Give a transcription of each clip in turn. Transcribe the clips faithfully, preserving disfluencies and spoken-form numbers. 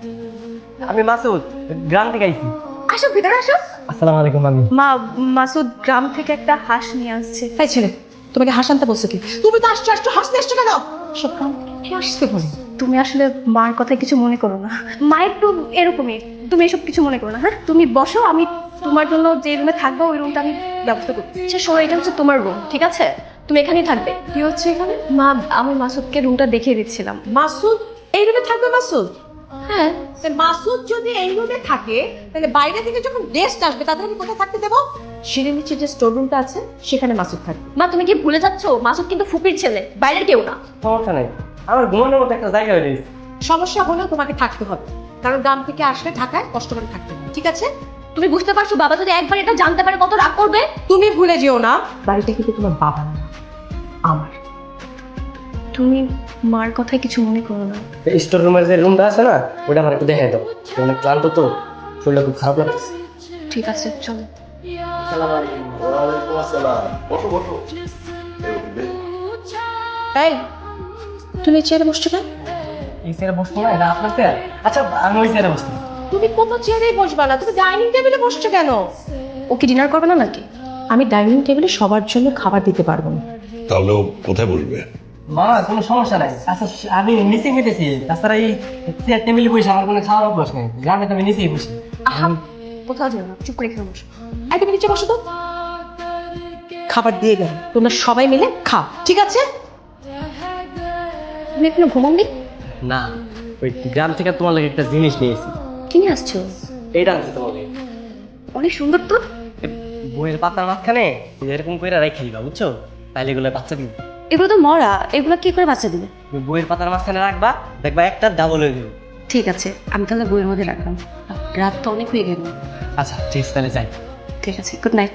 আমি মাসুদ, গ্রাম থেকে আইছি। আসো ভিতরে আসো। আসসালামু আলাইকুম মামি। মা, মাসুদ গ্রাম থেকে একটা হাঁস নিয়ে আসছে। তাই ছেলে, তোমাকে হাস আনতে বলছো কি? তুমি তো আসছো আসছো হাসতে আসছো কেন? সব কাম কি আসতে বলে? তুমি আসলে মার কথায় কিছু মনে করো না। মা একটু এরকমই, তুমি এসব কিছু মনে করো না। হ্যাঁ, তুমি বসো, আমি তোমার জন্য যে রুমে থাকবো ওই রুমটা আমি ব্যবস্থা করছি। আচ্ছা শোনো, এটা হচ্ছে তোমার রুম, ঠিক আছে? তুমি এখানেই থাকবে। কি হচ্ছে এখানে? মা, আমি মাসুদকে রুমটা দেখিয়ে দিচ্ছিলাম। মাসুদ এই রুমে থাকবে? মাসুদ, হ্যাঁ। তা মাসুদ যদি এই রুমে থাকে তাহলে বাইরে থেকে যখন গেস্ট আসবে তাদের আমি কোথায় থাকতে দেবো? সিঁড়ির নিচে যে স্টোর রুমটা আছে সেখানে মাসুদ থাকবে। মা, তুমি কি ভুলে যাচ্ছ? মাসুদ কিন্তু ফুপির ছেলে, বাইরের কেউ না। সমস্যা নেই, আমার ঘুমানোর মতো একটা জায়গা হয়ে গেছে। সমস্যা হলেও তোমাকে থাকতে হবে, কারণ গ্রাম থেকে আসলে ঢাকায় কষ্ট করে থাকতে হবে, ঠিক আছে? তুমি বুঝতে পারছো বাবা যদি একবার এটা জানতে পারে কত রাগ করবে? তুমি ভুলে যেও না, বাড়িটা কিন্তু তোমার বাবা না, আমার। তুমি মার কথায় কিছু মনে করো না। স্টোর রুমের যে রুমটা আছে না, ওটা আমার একটু দেখাই দাও। অনেক ক্লান্ত তো, শরীরটা খুব খারাপ লাগছে। ঠিক আছে, চলো। আসসালামু আলাইকুম। ওয়ালাইকুম আসসালাম। বসো বসো। এই, তুমি চেয়ারে বসছো কেন? এই চেয়ারে বসবো না, এটা আপনার চেয়ার। আচ্ছা আমি ওই চেয়ারে বসছি। তুমি কোনো চেয়ারেই বসবা না, তুমি ডাইনিং টেবিলে বসছো কেন? ও কি ডিনার করবে না নাকি? আমি ডাইনিং টেবিলে সবার জন্য খাবার দিতে পারবো না। তাহলে ও কোথায় বসবে? মা কোনো সমস্যা নাই। আচ্ছা আমি নিচে খেতেছি, তাছাড়া এই চেয়ার টেবিলে বসে আমার কোনো খাওয়ার অভ্যাস নেই। গ্রামে তো আমি নিচেই বসি। আহা, কোথাও যেও না, চুপ করে এখানে বসো। এই তুমি নিচে বসো তো। খাবার দিয়ে গেল, তোমরা সবাই মিলে খাও, ঠিক আছে? তুমি এখনো ঘুমাননি? না, ওই গ্রাম থেকে তোমার লাগে একটা জিনিস নিয়েছি। কি নিয়ে আসছো? এইটা আনছি তোমাকে। অনেক সুন্দর তো। বইয়ের পাতার মাঝখানে এরকম করে রাখি দিবা, বুঝছো? তাইলে এগুলো বাচ্চা দিবে। এগুলো তো মরা, এগুলো কি করে বাচ্চা দিবে? তুমি বইয়ের পাতার মাঝখানে রাখবা, দেখবা একটা ডাবল হয়ে যাবে। ঠিক আছে, আমি তাহলে বইয়ের মধ্যে রাখলাম। রাত তো অনেক হয়ে গেল। আচ্ছা ঠিক আছে, তাহলে যাই। ঠিক আছে, গুড নাইট।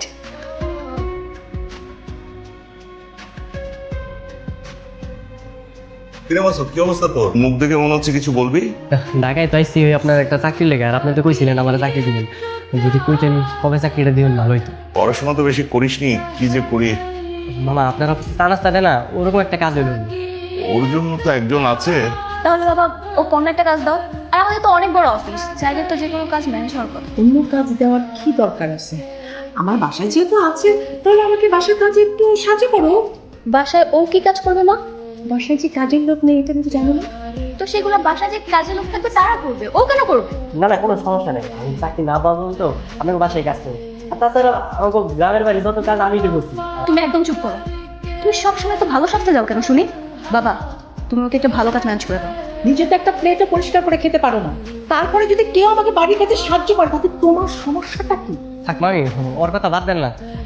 কিরে মাসুদ, কি অবস্থা তোর? মুখ দেখে মনে হচ্ছে কিছু বলবি। ঢাকায় তো আইসি ওই আপনার একটা চাকরি লেগে, আর আপনি তো কইছিলেন আমার চাকরি দিবেন। যদি কইতেন কবে চাকরিটা দিবেন ভালো হইতো। পড়াশোনা তো বেশি করিসনি, কি যে করি। মামা আপনার চা নাস্তা দেয় না, ওরকম একটা কাজ হইল। ওর জন্য তো একজন আছে। তাহলে বাবা, ও কোন একটা কাজ দাও। আর আমাদের তো অনেক বড় অফিস, চাইলে তো যে কোনো কাজ ম্যানেজ হওয়ার কথা। অন্য কাজ দেওয়ার কি দরকার আছে? আমার বাসায় যেহেতু আছে, তাহলে আমাকে বাসার কাজে একটু সাহায্য করো। বাসায় ও কি কাজ করবে মা? বাসায় যে কাজের লোক নেই এটা কিন্তু জানো না? তো সেগুলো বাসায় যে কাজের লোক থাকবে তারা করবে, ও কেন করবে? না না, কোনো সমস্যা নেই, আমি চাকরি না পাবো তো আপনাকে বাসায় কাজ করবো। আর তাছাড়া আমাকে গ্রামের বাড়ি যত কাজ আমি তো করছি। তুমি একদম চুপ করো। তুমি সবসময় তো ভালো সাজতে যাও কেন শুনি? বাবা, তুমি ওকে একটা ভালো কাজ ম্যানেজ করে দাও। নিজে তো একটা প্লেটও পরিষ্কার করে খেতে পারো না, তারপরে যদি কেউ আমাকে বাড়ির কাজে সাহায্য করে তাতে তোমার সমস্যাটা কি? থাক মামি, ওর কথা বাদ দেন না।